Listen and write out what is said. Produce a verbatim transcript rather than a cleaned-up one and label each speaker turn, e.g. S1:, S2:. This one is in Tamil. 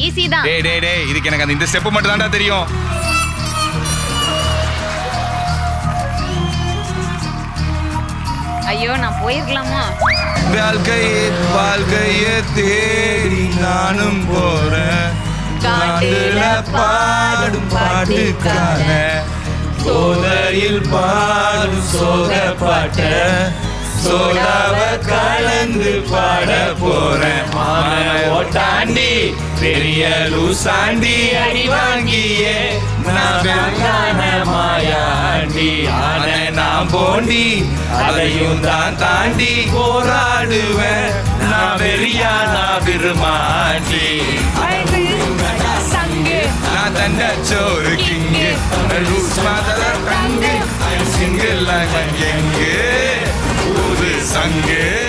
S1: ஈஸி தான்.
S2: டேய் டேய் டேய் இதுக்கு எனக்கு அந்த இந்த ஸ்டெப் மட்டும் தான்டா தெரியும்.
S1: ஐயோ நான் போயிருக்கலாமா?
S2: வாழ்க்கையே வாழ்க்கையே தேடி நானும் போறேன். காட்டுல பாடும் பாட்டுக்கான சோதையில் பாடும் சோக பாட்ட சோடாவ கலந்து பாட போறேன். ஓட்டாண்டி பெரிய லூசாண்டி அடி வாங்கியே நான் மாயாண்டி ஆன நான் போண்டி அதையும் தான் தாண்டி போராடுவேன். நான் வெறியா நான் விரும்மாண்டி நான் தண்ட சோறு கிங்கு ரூஸ் மாதல கங்கு சிங்கிள் எங்கு ஒரு சங்கு